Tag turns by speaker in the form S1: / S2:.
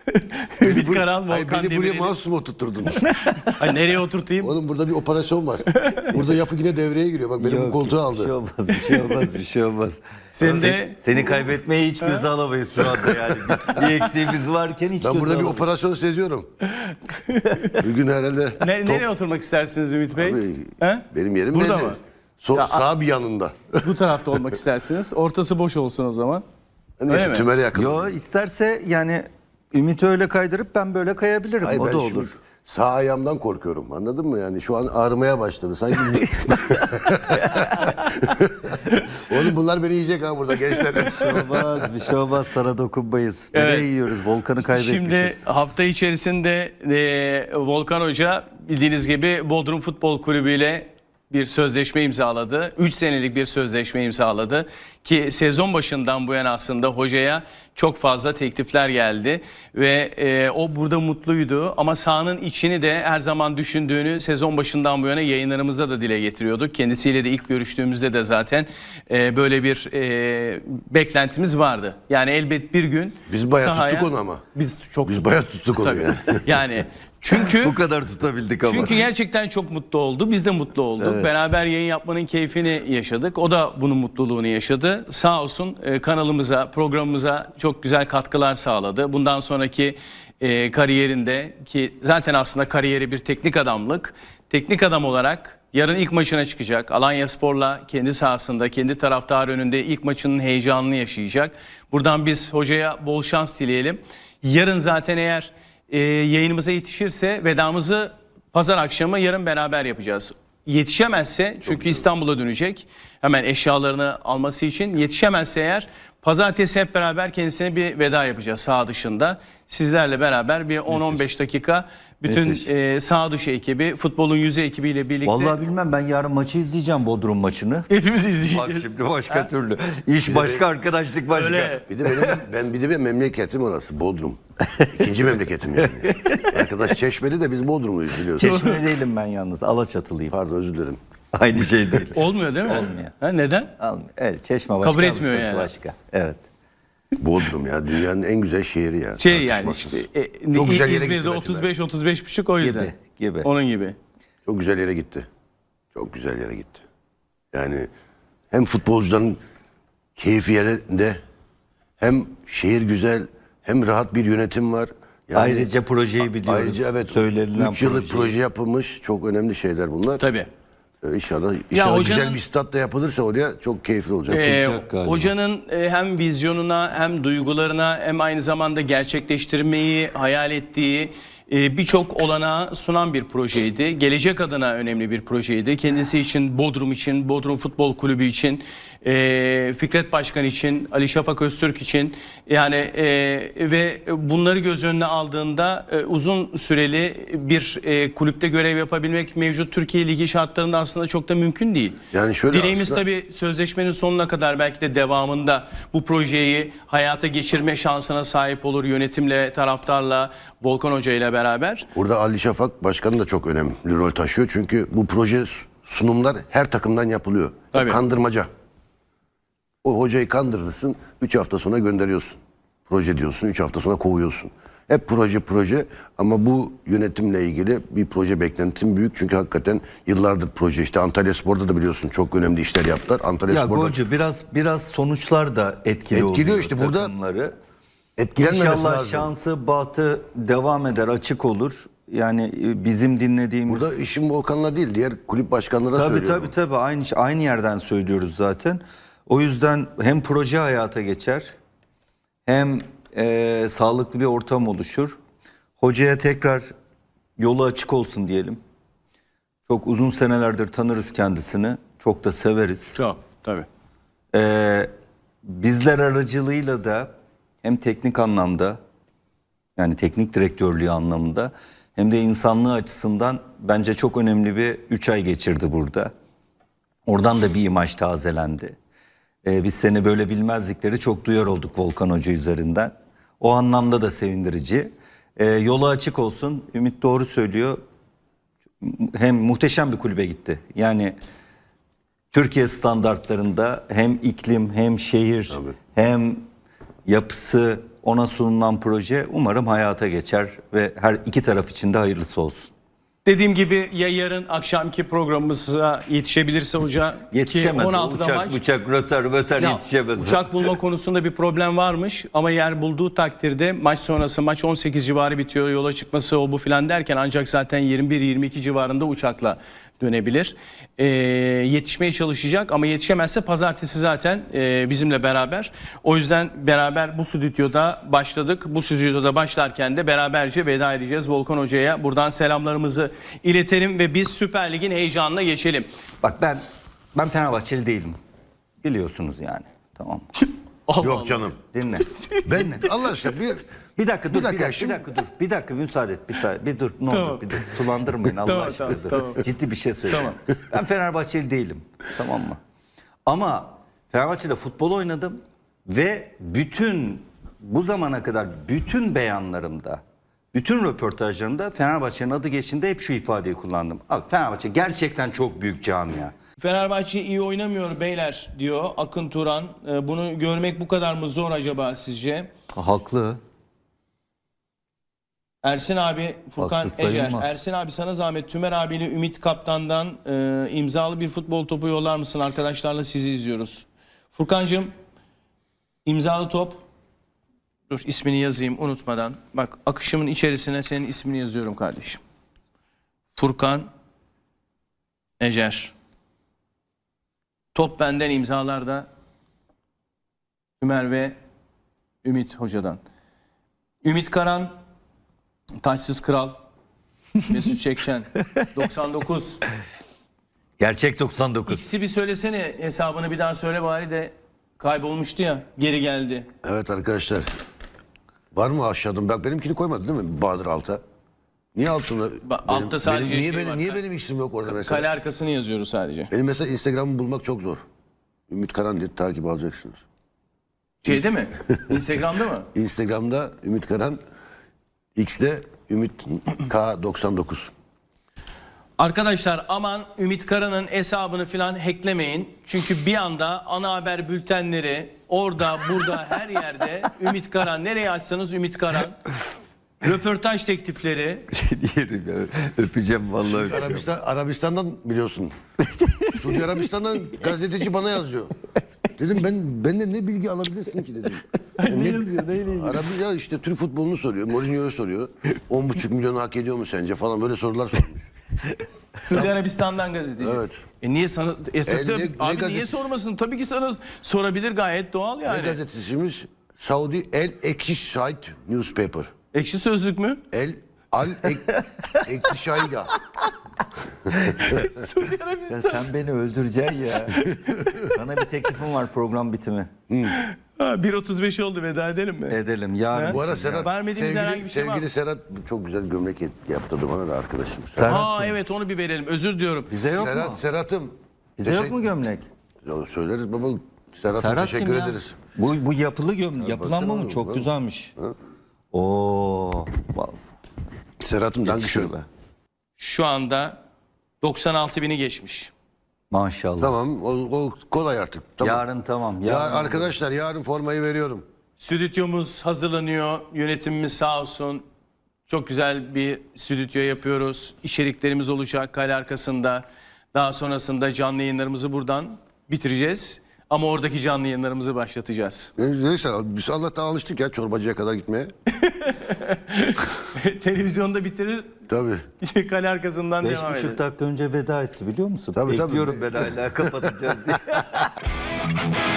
S1: Ümit Karal,
S2: Ay,
S1: Volkan
S2: beni buraya
S1: Demirel'i.
S2: mahsus mu oturtturdun?
S1: Ay, nereye oturtayım?
S2: Oğlum burada bir operasyon var. Burada yapı yine devreye giriyor. Bak benim bu koltuğu aldı.
S3: Bir şey olmaz, bir şey olmaz, bir şey olmaz.
S1: Sen de-
S3: Seni kaybetmeyi hiç göze alamayız şu anda yani. Bir eksiğimiz varken hiç
S2: Ben
S3: göze
S2: burada bir
S3: alamayız.
S2: operasyon seziyorum. Bugün herhalde
S1: Nereye oturmak istersiniz Ümit Bey?
S2: Abi,
S1: He?
S2: benim yerim
S1: Burada
S2: belli.
S1: mı?
S2: Sağ bir yanında.
S1: Bu tarafta olmak istersiniz. Ortası boş olsun o zaman.
S2: Neyse
S1: mi?
S2: tümere yakın.
S3: Yo, isterse yani Ümit'i öyle kaydırıp ben böyle kayabilirim.
S2: Hayır,
S3: O
S2: ben
S3: da
S2: şu
S3: olur.
S2: Sağ ayağımdan korkuyorum. Anladın mı? Yani şu an ağrımaya başladı. Sanki Oğlum bunlar beni yiyecek ha burada gençler.
S3: Bir şey olmaz, bir şey olmaz. Sana dokunmayız.
S1: Evet.
S3: Nereye yiyoruz? Volkan'ı kaybetmişiz.
S1: Şimdi hafta içerisinde Volkan Hoca bildiğiniz gibi Bodrum Futbol Kulübü ile bir sözleşme imzaladı. 3 senelik bir sözleşme imzaladı. Ki sezon başından bu yana aslında hocaya çok fazla teklifler geldi. Ve o burada mutluydu. Ama sahanın içini de her zaman düşündüğünü sezon başından bu yana yayınlarımızda da dile getiriyorduk. Kendisiyle de ilk görüştüğümüzde de zaten böyle bir beklentimiz vardı. Yani elbet bir gün
S2: Biz bayağı
S1: sahaya-
S2: tuttuk onu ama.
S1: Biz çok
S2: Biz bayağı tuttuk onu
S1: Tabii.
S2: ya.
S1: Yani çünkü
S3: Bu kadar tutabildik ama.
S1: çünkü gerçekten çok mutlu oldu. Biz de mutlu olduk. Beraber yayın yapmanın keyfini yaşadık. O da bunun mutluluğunu yaşadı. Sağ olsun kanalımıza, programımıza çok güzel katkılar sağladı. Bundan sonraki kariyerinde ki zaten aslında kariyeri bir teknik adamlık. Teknik adam olarak yarın ilk maçına çıkacak. Alanyaspor'la kendi sahasında, kendi taraftar önünde ilk maçının heyecanını yaşayacak. Buradan biz hocaya bol şans dileyelim. Yarın zaten eğer yayınımıza yetişirse vedamızı pazar akşamı yarın beraber yapacağız. Yetişemezse çünkü İstanbul'a dönecek hemen eşyalarını alması için, yetişemezse eğer pazartesi hep beraber kendisine bir veda yapacağız saha dışında. Sizlerle beraber bir 10-15 dakika bütün saha dışı ekibi, futbolun yüzü ekibiyle birlikte
S3: Vallahi bilmem, ben yarın maçı izleyeceğim, Bodrum maçını.
S1: hepimiz
S3: Bak
S1: izleyeceğiz.
S3: şimdi başka türlü. İş başka, arkadaşlık başka.
S1: Öyle.
S2: Bir de benim memleketim orası Bodrum. İkinci memleketim yani. Arkadaş Çeşmeli de biz Bodrumluyuz biliyorsun.
S3: Çeşme değilim ben yalnız. Alaçatılıyım.
S2: Pardon özür dilerim.
S3: Aynı şey değil.
S1: Olmuyor değil mi?
S3: Olmuyor.
S1: Ha, neden?
S3: Almıyor. Evet, Çeşme başka.
S1: Kabul etmiyor
S3: Alaçatı
S1: yani.
S3: Başka. Evet.
S2: Bodrum ya dünyanın en güzel şehri ya.
S1: Yani
S2: Tartışmasız.
S1: işte
S2: Çok güzel yere
S1: İzmir'de
S2: gitti
S1: 35-35,5 o yüzden.
S3: Gibi.
S1: Onun gibi.
S2: Çok güzel yere gitti. Çok güzel yere gitti. Yani hem futbolcuların keyfi yerinde, hem şehir güzel, hem rahat bir yönetim var. Yani
S3: Ayrıca projeyi biliyoruz.
S2: Ayrıca evet.
S3: Söylenilen
S2: 3 yıllık
S3: projeyi.
S2: proje yapılmış. Çok önemli şeyler bunlar.
S1: Tabii.
S2: İnşallah
S1: hocanın-
S2: güzel bir stat da yapılırsa oraya çok keyifli olacak.
S3: Olacak galiba.
S1: Hocanın hem vizyonuna hem duygularına hem aynı zamanda gerçekleştirmeyi hayal ettiği birçok olanağı sunan bir projeydi. Gelecek adına önemli bir projeydi. Kendisi için, Bodrum için, Bodrum Futbol Kulübü için, Fikret Başkan için, Ali Şafak Öztürk için yani ve bunları göz önüne aldığında uzun süreli bir kulüpte görev yapabilmek mevcut Türkiye Ligi şartlarında aslında çok da mümkün değil.
S2: Yani şöyle
S1: Dileğimiz
S2: aslında-
S1: tabii sözleşmenin sonuna kadar belki de devamında bu projeyi hayata geçirme şansına sahip olur yönetimle, taraftarla, Volkan Hoca ile beraber.
S2: Burada Ali Şafak Başkanı da çok önemli rol taşıyor. Çünkü bu proje sunumlar her takımdan yapılıyor.
S1: Tabii.
S2: Kandırmaca. O hocayı kandırırsın, 3 hafta sonra gönderiyorsun. Proje diyorsun, 3 hafta sonra kovuyorsun. Hep proje ama bu yönetimle ilgili bir proje beklentim büyük. Çünkü hakikaten yıllardır proje. İşte Antalyaspor'da da biliyorsun çok önemli işler yaptılar.
S3: Ya
S2: Antalyaspor'da
S3: Golcü biraz sonuçlar da etkiliyor
S2: Etkiliyor işte burada.
S3: takımları.
S2: etkilenmemesi
S3: İnşallah
S2: lazım.
S3: şansı, bahtı devam eder, açık olur. Yani bizim dinlediğimiz...
S2: Burada işim Volkan'la değil, diğer kulüp başkanlara
S3: Tabii
S2: söylüyorum.
S3: tabii aynı yerden söylüyoruz zaten. O yüzden hem proje hayata geçer, hem sağlıklı bir ortam oluşur. Hocaya tekrar yolu açık olsun diyelim. Çok uzun senelerdir tanırız kendisini. Çok da severiz.
S1: Çok tabii.
S3: Bizler aracılığıyla da hem teknik anlamda, yani teknik direktörlüğü anlamında, hem de insanlığı açısından bence çok önemli bir 3 ay geçirdi burada. Oradan da bir imaj tazelendi. Biz seni böyle bilmezdikleri çok duyar olduk Volkan Hoca üzerinden. O anlamda da sevindirici. Yolu açık olsun. Ümit doğru söylüyor. Hem muhteşem bir kulübe gitti. Yani Türkiye standartlarında hem iklim, hem şehir, hem yapısı ona sunulan proje umarım hayata geçer ve her iki taraf için de hayırlısı olsun.
S1: Dediğim gibi ya yarın akşamki programımıza yetişebilirse hoca
S3: Yetişemez.
S1: ki 16'da
S3: Uçak,
S1: maç.
S3: bıçak, röter
S1: Ya,
S3: yetişemez.
S1: uçak bulma konusunda bir problem varmış ama yer bulduğu takdirde maç sonrası maç 18 civarı bitiyor, yola çıkması o bu filan derken ancak zaten 21-22 civarında uçakla dönebilir. Yetişmeye çalışacak ama yetişemezse pazartesi zaten bizimle beraber. O yüzden beraber bu stüdyoda başladık. Bu stüdyoda başlarken de beraberce veda edeceğiz Volkan Hoca'ya. Buradan selamlarımızı iletelim ve biz Süper Lig'in heyecanına geçelim.
S3: Bak ben Fenerbahçeli değilim. Biliyorsunuz yani. Tamam.
S2: Yok canım.
S3: Dinle.
S2: Ben Allah aşkına
S3: Bir dakika dur,
S2: şimdi-
S3: bir dakika müsaade et, bir dur, ne
S1: Tamam.
S3: olur bir dur, sulandırmayın Allah
S1: Tamam,
S3: aşkına.
S1: tamam,
S3: dur.
S1: tamam.
S3: Ciddi bir şey söyleyeyim. Ben Fenerbahçeli değilim, tamam mı? Ama Fenerbahçe'de futbol oynadım ve bu zamana kadar bütün beyanlarımda, bütün röportajlarımda Fenerbahçe'nin adı geçtiğinde hep şu ifadeyi kullandım. Abi Fenerbahçe gerçekten çok büyük camia.
S1: Fenerbahçe iyi oynamıyor beyler diyor Akın Turan. Bunu görmek bu kadar mı zor acaba sizce?
S3: Haklı.
S1: Ersin abi, Furkan
S3: Haksız
S1: Ecer.
S3: sayılmaz.
S1: Ersin abi sana zahmet Tümer abiyle Ümit Kaptan'dan imzalı bir futbol topu yollar mısın? Arkadaşlarla sizi izliyoruz. Furkancığım imzalı top. Dur ismini yazayım unutmadan. Bak akışımın içerisine senin ismini yazıyorum kardeşim. Furkan Ecer. Top benden, imzalar da Tümer ve Ümit Hoca'dan. Ümit Karan, Taçsız Kral, Mesut Çekçen, 99.
S3: Gerçek 99.
S1: İkisi bir söylesene hesabını bir daha söyle bari de kaybolmuştu ya geri geldi.
S2: Evet arkadaşlar. Var mı aşağıdan? Bak benimkini koymadı değil mi Bahadır Alta? Niye altına?
S1: Altta sadece
S2: niye
S1: şey var.
S2: niye benim isim yok orada mesela?
S1: Kale arkasını yazıyoruz sadece.
S2: Benim mesela Instagram'ı bulmak çok zor. Ümit Karan diye takip alacaksınız.
S1: Şeyde mi? Instagram'da mı?
S2: Instagram'da Ümit Karan, X'de Ümit K99.
S1: Arkadaşlar aman Ümit Karan'ın hesabını falan hacklemeyin. Çünkü bir anda ana haber bültenleri orada burada her yerde Ümit Karan, nereye açsanız Ümit Karan. Röportaj teklifleri.
S3: Diyelim ya. Öpeceğim vallahi öpeceğim.
S2: Arabistan'dan biliyorsun. Suudi Arabistan'dan gazeteci bana yazıyor. Dedim benden ne bilgi alabilirsin ki dedim.
S1: Ne yazıyor, neyle ilgili?
S2: Arabi ya işte Türk futbolunu soruyor. Mourinho'yu soruyor. 10,5 milyonu hak ediyor mu sence falan böyle sorular sormuş.
S1: Suudi Arabistan'dan gazeteci.
S2: Evet.
S1: Niye sana
S2: ne
S1: abi niye
S2: gazetesi?
S1: sormasın? Tabii ki sana sorabilir, gayet doğal
S2: Ne
S1: yani.
S2: gazetecimiz? Saudi El Ekşişahit Newspaper.
S1: Ekşi Sözlük mü?
S2: Ekşişahida.
S1: Suudi Arabistan.
S3: Ya sen beni öldüreceksin ya. Sana bir teklifim var program bitimi.
S1: Ha, 1.35 oldu, veda edelim mi?
S3: Edelim yarın.
S2: Bu ara Serhat,
S1: Vermediğimiz herhangi bir şey var mı?
S2: sevgili Serhat çok güzel gömlek yaptırdı bana da arkadaşım.
S1: Aa evet, onu bir verelim. Özür diliyorum.
S3: Bize yok mu?
S2: Serhat'ım.
S3: Bize yok mu gömlek?
S2: Söyleriz baba. Serhat'a
S3: Serhat
S2: teşekkür
S3: kim ya?
S2: ederiz.
S3: Bu yapılı yapılan
S2: baksana
S3: mı?
S2: oğlum,
S3: Çok
S2: bak.
S3: güzelmiş. Oo.
S2: Serhat'ım danke
S3: Yakışır
S2: schön.
S3: be.
S1: Şu anda 96 bini geçmiş.
S3: Maşallah.
S2: Tamam o kolay artık. Tamam.
S3: Yarın tamam.
S2: Ya
S3: Yarın
S2: arkadaşlar yarın formayı veriyorum.
S1: Stüdyomuz hazırlanıyor. Yönetimimiz sağ olsun. Çok güzel bir stüdyo yapıyoruz. İçeriklerimiz olacak kale arkasında. Daha sonrasında canlı yayınlarımızı buradan bitireceğiz. Ama oradaki canlı yayınlarımızı başlatacağız.
S2: Neyse biz Allah'tan alıştık ya çorbacıya kadar gitmeye.
S1: Televizyonda bitirir,
S2: Tabii.
S1: kale arkasından devam
S3: 5,5
S1: eder.
S3: dakika önce veda etti biliyor musun?
S2: Tabii, tabii.
S3: Bekliyorum ben hala kapatacağız diye.